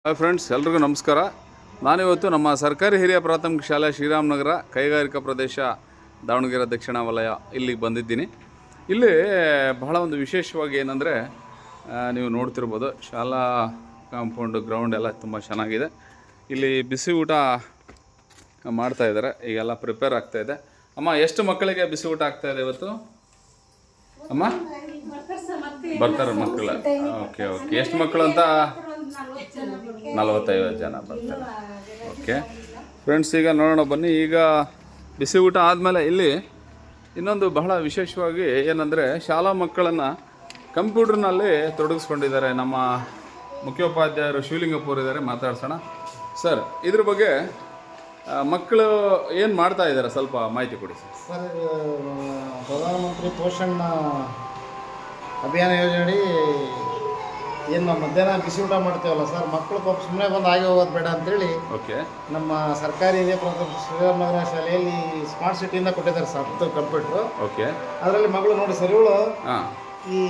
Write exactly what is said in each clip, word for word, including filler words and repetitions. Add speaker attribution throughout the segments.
Speaker 1: Hi friends, ಎಲ್ರಿಗೂ ನಮಸ್ಕಾರ. ನಾನಿವತ್ತು ನಮ್ಮ ಸರ್ಕಾರಿ ಹಿರಿಯ ಪ್ರಾಥಮಿಕ ಶಾಲೆ ಶ್ರೀರಾಮನಗರ ಕೈಗಾರಿಕಾ ಪ್ರದೇಶ ದಾವಣಗೆರೆ ದಕ್ಷಿಣ ವಲಯ ಇಲ್ಲಿಗೆ ಬಂದಿದ್ದೀನಿ. ಇಲ್ಲಿ ಬಹಳ ಒಂದು ವಿಶೇಷವಾಗಿ ಏನಂದರೆ, ನೀವು ನೋಡ್ತಿರ್ಬೋದು, ಶಾಲಾ ಕಾಂಪೌಂಡು ಗ್ರೌಂಡ್ ಎಲ್ಲ ತುಂಬ ಚೆನ್ನಾಗಿದೆ. ಇಲ್ಲಿ ಬಿಸಿ ಊಟ ಮಾಡ್ತಾಯಿದ್ದಾರೆ, ಈಗೆಲ್ಲ ಪ್ರಿಪೇರ್ ಆಗ್ತಾಯಿದೆ. ಅಮ್ಮ, ಎಷ್ಟು ಮಕ್ಕಳಿಗೆ ಬಿಸಿ ಊಟ ಆಗ್ತಾಯಿದೆ ಇವತ್ತು? ಅಮ್ಮ ಬರ್ತಾರೆ ಮಕ್ಕಳು. ಓಕೆ ಓಕೆ ಎಷ್ಟು ಮಕ್ಕಳು ಅಂತ? ನಲವತ್ತೈವತ್ತು ಜನ ಬರ್ತಾರೆ. ಓಕೆ ಫ್ರೆಂಡ್ಸ್, ಈಗ ನೋಡೋಣ ಬನ್ನಿ. ಈಗ ಬಿಸಿ ಊಟ ಆದಮೇಲೆ ಇಲ್ಲಿ ಇನ್ನೊಂದು ಬಹಳ ವಿಶೇಷವಾಗಿ ಏನಂದರೆ, ಶಾಲಾ ಮಕ್ಕಳನ್ನು ಕಂಪ್ಯೂಟರ್ನಲ್ಲಿ ತೊಡಗಿಸ್ಕೊಂಡಿದ್ದಾರೆ. ನಮ್ಮ ಮುಖ್ಯೋಪಾಧ್ಯಾಯರು ಶಿವಲಿಂಗಪುರ ಇದ್ದಾರೆ, ಮಾತಾಡ್ಸೋಣ. ಸರ್, ಇದ್ರ ಬಗ್ಗೆ ಮಕ್ಕಳು ಏನು ಮಾಡ್ತಾ ಇದ್ದಾರೆ ಸ್ವಲ್ಪ ಮಾಹಿತಿ ಕೊಡಿ ಸರ್.
Speaker 2: ಸರ್, ಪ್ರಧಾನಮಂತ್ರಿ ಪೋಷಣ್ ಅಭಿಯಾನ ಯೋಜನೆ ಏನು ನಾವು ಮಧ್ಯಾಹ್ನ ಬಿಸಿ ಊಟ ಮಾಡ್ತೇವಲ್ಲ ಸರ್, ಮಕ್ಕಳು ಪಾಪ ಸುಮ್ಮನೆ ಬಂದು ಆಗಿ ಹೋಗೋದು ಬೇಡ ಅಂತೇಳಿ
Speaker 1: ಓಕೆ
Speaker 2: ನಮ್ಮ ಸರ್ಕಾರಿ ಹಿರಿಯ ಪ್ರಾಥಮಿಕ ಶ್ರೀರಾಮನಗರ ಶಾಲೆಯಲ್ಲಿ ಸ್ಮಾರ್ಟ್ ಸಿಟಿಯಿಂದ ಕೊಟ್ಟಿದ್ದಾರೆ ಸರ್ ಹತ್ತು ಕಂಪ್ಯೂಟ್ರು.
Speaker 1: ಓಕೆ,
Speaker 2: ಅದರಲ್ಲಿ ಮಗಳು ನೋಡಿ ಸರ್, ಇವಳು
Speaker 1: ಹಾಂ
Speaker 2: ಈ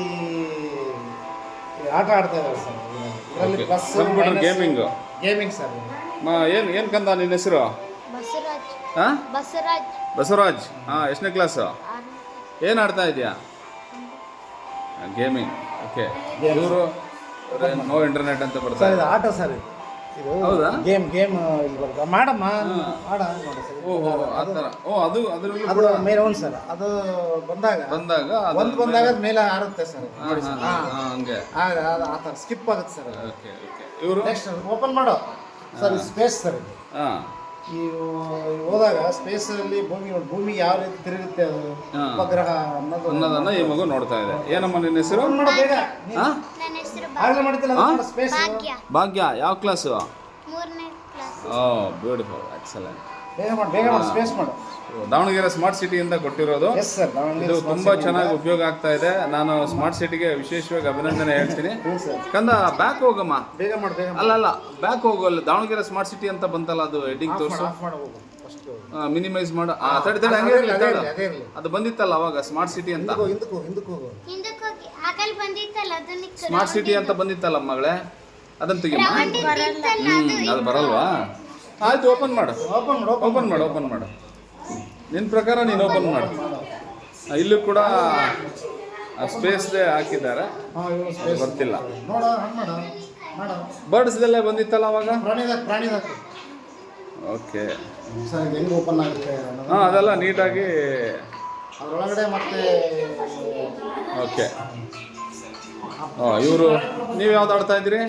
Speaker 2: ಆಟ ಆಡ್ತಾ ಇದ್ದಾರೆ ಸರ್. ಇದರಲ್ಲಿ plus
Speaker 1: computer gaming
Speaker 2: gaming sir.
Speaker 1: ಏನು ಏನು ಕಂದ ನಿನ್ನ ಹೆಸರು?
Speaker 3: ಬಸವರಾಜ್.
Speaker 1: ಹಾಂ
Speaker 3: ಬಸವರಾಜ್.
Speaker 1: ಬಸವರಾಜ್. ಹಾಂ, ಎಷ್ಟನೇ ಕ್ಲಾಸು? ಏನು ಆಡ್ತಾ ಇದೆಯಾ? ಗೇಮಿಂಗ್. ಓಕೆ, ಇವರು ನೋ ಇಂಟರ್ನೆಟ್ ಅಂತ
Speaker 2: ಸರ್
Speaker 1: ಬರ್ತಾರೆ.
Speaker 2: ಇದು ಆಟ ಸರ್, ಇದು
Speaker 1: ಹೌದಾ?
Speaker 2: ಗೇಮ್ ಗೇಮ್ ಇಲ್ಲಿ ಬರ್ತದೆ. ಮಾಡಮ್ಮ ಮಾಡ ನೋಡಿ ಸರ್.
Speaker 1: ಓಹೋ, ಆ ಥರ. ಓ, ಅದು ಅದರಲ್ಲೂ
Speaker 2: ಅದು
Speaker 1: ಕೂಡ
Speaker 2: ಮೇಲೆ ಒಂದು ಸರ್, ಅದು ಬಂದಾಗ
Speaker 1: ಬಂದಾಗ ಅದು
Speaker 2: ಒಂದು ಬಂದಾಗ ಅದ್ ಮೇಲೆ ಆರುತ್ತೆ ಸರ್. ನೋಡಿ ಸರ್,
Speaker 1: ಹಾಂ, ಹಂಗೆ.
Speaker 2: ಆಗ ಅದು ಆ ಥರ ಸ್ಕಿಪ್ ಆಗುತ್ತೆ ಸರ್.
Speaker 1: ಓಕೆ ಓಕೆ, ಇವರು
Speaker 2: ನೆಕ್ಸ್ಟ್ ಓಪನ್ ಮಾಡೋ ಸರ್, ಇದು ಸ್ಪೇಸ್ ಸರ್. ಇದು
Speaker 1: ಹಾಂ
Speaker 2: ಈ ಹೋದಾಗ ಸ್ಪೇಸಲ್ಲಿ ಭೂಮಿ ನೋಡಿ, ಭೂಮಿ ಯಾವ ರೀತಿ ತಿರುಗುತ್ತೆ, ಅದು ಉಪಗ್ರಹ ಅನ್ನೋದು
Speaker 1: ಅನ್ನೋದನ್ನ ಈ ಮಗು ನೋಡ್ತಾ ಇದೆ. ಏನಮ್ಮ ನಿನ್ನ ಹೆಸರು?
Speaker 2: ಓಪನ್ ಮಾಡೋ ಬೇಗ.
Speaker 1: ಹಾಂ,
Speaker 3: ನನ್ನ ಹೆಸರು
Speaker 2: ಆಗಲೇ ಮಾಡ್ತಿಲ್ಲ ಸ್ಪೇಸ್.
Speaker 3: ಭಾಗ್ಯ.
Speaker 1: ಭಾಗ್ಯ. ಯಾವ ಕ್ಲಾಸು?
Speaker 3: ಮೂರನೇ ಕ್ಲಾಸ್.
Speaker 1: ಓ, ಬ್ಯೂಟಿಫುಲ್, ಎಕ್ಸಲೆಂಟ್.
Speaker 2: ಬೇಗ ಮಾಡಿ, ಬೇಗ ಮಾಡಿ, ಸ್ಪೇಸ್ ಮಾಡು.
Speaker 1: ದಾವಣಗೆರೆ ಸ್ಮಾರ್ಟ್ ಸಿಟಿಯಿಂದ ಕೊಟ್ಟಿರೋದು.
Speaker 2: ಎಸ್ ಸರ್,
Speaker 1: ಇದು ತುಂಬಾ ಚೆನ್ನಾಗಿ ಉಪಯೋಗ ಆಗ್ತಾ ಇದೆ. ನಾನು ಸ್ಮಾರ್ಟ್ ಸಿಟಿಗೆ ವಿಶೇಷವಾಗಿ ಅಭಿನಂದನೆ ಹೇಳ್ತೀನಿ. ಕಂದ, ಬ್ಯಾಕ್ ಹೋಗಮ್ಮ.
Speaker 2: ಬೇಗ ಮಾಡಿ, ಬೇಗ
Speaker 1: ಅಲ್ಲ ಅಲ್ಲ ಬ್ಯಾಕ್ ಹೋಗಲ್ಲ. ದಾವಣಗೆರೆ ಸ್ಮಾರ್ಟ್ ಸಿಟಿ ಅಂತ ಬಂತಲ್ಲ, ಅದು ಹೆಡ್ಡಿಂಗ್ ತೋರಿಸು.
Speaker 2: ಆಫ್ ಮಾಡಿ ಹೋಗು ಫಸ್ಟ್.
Speaker 1: ಮಿನಿಮೈಸ್ ಮಾಡು. ಆ, ತಡಿ ತಡಿ, ಹಂಗೆ ಇರ್ಲಿ, ತಡಿ.
Speaker 2: ಅದೇ ಇರಲಿ.
Speaker 1: ಅದು ಬಂದಿತ್ತಲ್ಲ ಅವಾಗ ಸ್ಮಾರ್ಟ್ ಸಿಟಿ ಅಂತ.
Speaker 2: ಹಿಂದಕ್ಕೆ ಹೋಗು, ಹಿಂದಕ್ಕೆ ಹೋಗು.
Speaker 3: ಹಿಂದಕ್ಕೆ ಹೋಗಿ ಆಕಲ್ ಬಂದಿತ್ತಲ್ಲ ಅದನ್ನ
Speaker 1: ಸ್ಮಾರ್ಟ್ ಸಿಟಿ ಅಂತ ಬಂದಿತ್ತಲ್ಲ ಮಗಳೇ, ಅದನ್ನ ತೆಗಿಮ್ಮ. ಹ್ಮ್, ಅದು ಬರಲ್ವಾ? ಆಯ್ತು, ಓಪನ್ ಮಾಡು,
Speaker 2: ಓಪನ್ ಮಾಡು,
Speaker 1: ಓಪನ್ ಮಾಡು, ಓಪನ್ ಮಾಡು. ನಿನ್ನ ಪ್ರಕಾರ ನೀನು ಓಪನ್ ಮಾಡು. ಇಲ್ಲೂ ಕೂಡ ಸ್ಪೇಸ್ದೇ ಹಾಕಿದ್ದಾರೆ,
Speaker 2: ಹಾಂ, ಇವು ಸ್ಪೇಸ್
Speaker 1: ಬರ್ತಿಲ್ಲ.
Speaker 2: ನೋಡ, ಹಂಗೆ ಮಾಡು, ಮಾಡು.
Speaker 1: ಬರ್ಡ್ಸ್ದೆಲ್ಲ ಬಂದಿತ್ತಲ್ಲ ಅವಾಗ.
Speaker 2: ಪ್ರಾಣಿದಾಗ ಪ್ರಾಣಿದಾಗ
Speaker 1: ಓಕೆ,
Speaker 2: ಸರ್, ಇದು ಹೆಂಗೆ ಓಪನ್ ಆಗುತ್ತೆ
Speaker 1: ಹಾಂ, ಅದೆಲ್ಲ ನೀಟಾಗಿ.
Speaker 2: ಅದರೊಳಗಡೆ ಮತ್ತೆ
Speaker 1: ಓಕೆ. ಹಾಂ, ಇವರು ನೀವು ಯಾವ್ದು ಆಡ್ತಾ ಇದ್ದೀರಿ?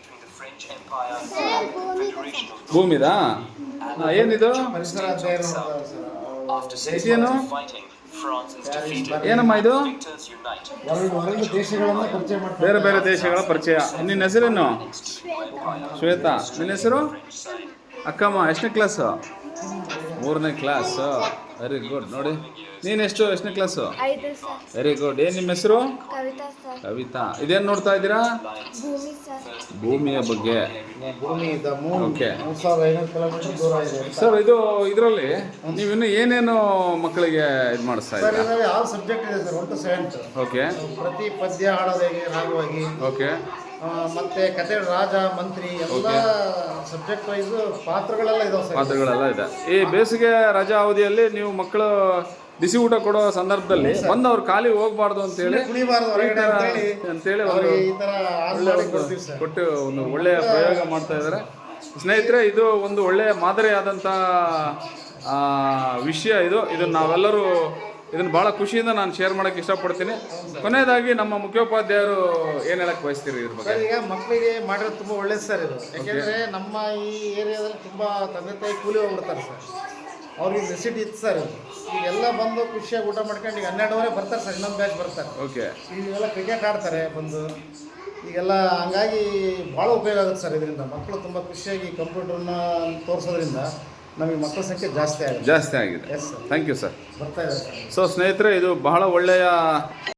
Speaker 1: ಭೂಮಿದಾ? ಹಾಂ, ಏನಿದು?
Speaker 2: ಪರಿಸರ ಅಧ್ಯಯನ ಮಾಡೋದು ಸರ್.
Speaker 1: ಏನು ಏನಮ್ಮ ಇದು?
Speaker 2: ಹೊರಗಡೆ ಹೊರಗಡೆ ದೇಶಗಳನ್ನು ಪರಿಚಯ ಮಾಡ್ತಾರೆ.
Speaker 1: ಬೇರೆ ಬೇರೆ ದೇಶಗಳ ಪರಿಚಯ. ನಿನ್ನ ಹೆಸರೇನು? ಶ್ವೇತಾ. ನಿನ್ನ ಹೆಸರು? ಅಕ್ಕಮ್ಮ. ಎಷ್ಟನೇ ಕ್ಲಾಸು? ಮೂರನೇ ಕ್ಲಾಸು. Very good. ನೋಡಿ, ನೀನು ಎಷ್ಟು ಎಷ್ಟನೇ ಕ್ಲಾಸು?
Speaker 3: ಐದು ಸರ್.
Speaker 1: Very good. ಏನು ನಿಮ್ಮ ಹೆಸರು?
Speaker 3: ಕವಿತಾ ಸರ್.
Speaker 1: ಕವಿತಾ. ಇದೇನು ನೋಡ್ತಾ ಇದ್ದೀರಾ?
Speaker 3: ಭೂಮಿ ಸರ್.
Speaker 1: ಭೂಮಿಯ ಬಗ್ಗೆ.
Speaker 2: ಭೂಮಿ ಇದ್ದ ಮೂರು
Speaker 1: ಓಕೆ.
Speaker 2: ಮೂರು ಸಾವಿರದ ಐನೂರು ಕಿಲೋಮೀಟರ್ ದೂರ ಇದೆ
Speaker 1: ಸರ್, ಇದು ಇದರಲ್ಲಿ ನೀವು ಇನ್ನು ಏನೇನು ಮಕ್ಕಳಿಗೆ ಇದು ಮಾಡಿಸ್ತಾ
Speaker 2: ಸರ್.
Speaker 1: ಇದ್ದೀರಾ?
Speaker 2: ಇದರಲ್ಲಿ ಆರು ಸಬ್ಜೆಕ್ಟ್ ಇದೆ ಸರ್, ಒನ್ ಟು ಸೆವೆಂತ್.
Speaker 1: ಓಕೆ
Speaker 2: ಪ್ರತಿ ಪದ್ಯ ಹಾಡೋದು ಹೇಗೆ ರಾಗವಾಗಿ,
Speaker 1: ಓಕೆ
Speaker 2: ಆ, ಮತ್ತೆ ಕತೆ, ರಾಜ ಮಂತ್ರಿ ಎಲ್ಲ ಸಬ್ಜೆಕ್ಟ್ ವೈಸ್ ಪಾತ್ರಗಳೆಲ್ಲ ಇದಾವೆ ಸರ್.
Speaker 1: ಪಾತ್ರಗಳೆಲ್ಲ ಇದೆ. ಈ ಬೇಸಿಗೆ ರಜಾ ಅವಧಿಯಲ್ಲಿ ನೀವು ಮಕ್ಕಳು ಬಿಸಿ ಊಟ ಕೊಡೋ ಸಂದರ್ಭದಲ್ಲಿ ಬಂದು ಅವ್ರು ಖಾಲಿ ಹೋಗ್ಬಾರ್ದು ಅಂತೇಳಿ
Speaker 2: ಕುಣಿಬಾರ್ದು ಹೊರಗಡೆ ಅಂತೇಳಿ
Speaker 1: ಅಂತೇಳಿ ಒಂದು
Speaker 2: ಅವ್ರಿಗೆ ಈ ಥರ ಆರು ಮಾಡಿ ಕೊಡ್ತೀವಿ ಸರ್.
Speaker 1: ಕೊಟ್ಟು ಒಂದು ಒಳ್ಳೆಯ ಪ್ರಯೋಗ ಮಾಡ್ತಾ ಇದ್ದಾರೆ. ಸ್ನೇಹಿತರೆ, ಇದು ಒಂದು ಒಳ್ಳೆಯ ಮಾದರಿಯಾದಂಥ ವಿಷಯ. ಇದು ಇದನ್ನು ನಾವೆಲ್ಲರೂ ಇದನ್ನು ಭಾಳ ಖುಷಿಯಿಂದ ನಾನು ಶೇರ್ ಮಾಡೋಕ್ಕೆ ಇಷ್ಟಪಡ್ತೀನಿ. ಕೊನೆಯದಾಗಿ ನಮ್ಮ ಮುಖ್ಯೋಪಾಧ್ಯಾಯರು ಏನು ಹೇಳಕ್ಕೆ ಬಯಸ್ತೀರಿ ಇದ್ರ ಬಗ್ಗೆ?
Speaker 2: ಸರ್, ಈಗ ಮಕ್ಕಳಿಗೆ ಮಾಡಿರೋದು ತುಂಬ ಒಳ್ಳೇದು ಸರ್ ಇದು. ಯಾಕೆಂದರೆ ನಮ್ಮ ಈ ಏರಿಯಾದಲ್ಲಿ ತುಂಬ ತಂದೆ ತಾಯಿ ಕೂಲಿ ಹೋಗ್ಬಿಡ್ತಾರೆ ಸರ್. ಅವ್ರಿಗೆ ನೆಸಿಟಿ ಇತ್ತು ಸರ್ ಇದು. ಈಗೆಲ್ಲ ಬಂದು ಖುಷಿಯಾಗಿ ಊಟ ಮಾಡ್ಕೊಂಡು ಈಗ ಹನ್ನೆರಡುವರೆ ಬರ್ತಾರೆ ಸರ್, ಇನ್ನೊಂದು ಬ್ಯಾಚ್ ಬರ್ತಾರೆ.
Speaker 1: ಓಕೆ.
Speaker 2: ಈಗೆಲ್ಲ ಕ್ರಿಕೆಟ್ ಆಡ್ತಾರೆ ಬಂದು. ಈಗೆಲ್ಲ ಹಂಗಾಗಿ ಭಾಳ ಉಪಯೋಗ ಆಗುತ್ತೆ ಸರ್ ಇದರಿಂದ. ಮಕ್ಕಳು ತುಂಬ ಖುಷಿಯಾಗಿ ಕಂಪ್ಯೂಟರ್ನ ತೋರಿಸೋದ್ರಿಂದ ನಮಗೆ ಮಕ್ಕಳ ಸಂಖ್ಯೆ ಜಾಸ್ತಿ ಆಗಿದೆ
Speaker 1: ಜಾಸ್ತಿ ಆಗಿದೆ.
Speaker 2: Yes sir.
Speaker 1: Thank you sir.
Speaker 2: ಬರ್ತಾ ಇದೆ ಸರ್.
Speaker 1: ಸೊ ಸ್ನೇಹಿತರೆ, ಇದು ಬಹಳ ಒಳ್ಳೆಯ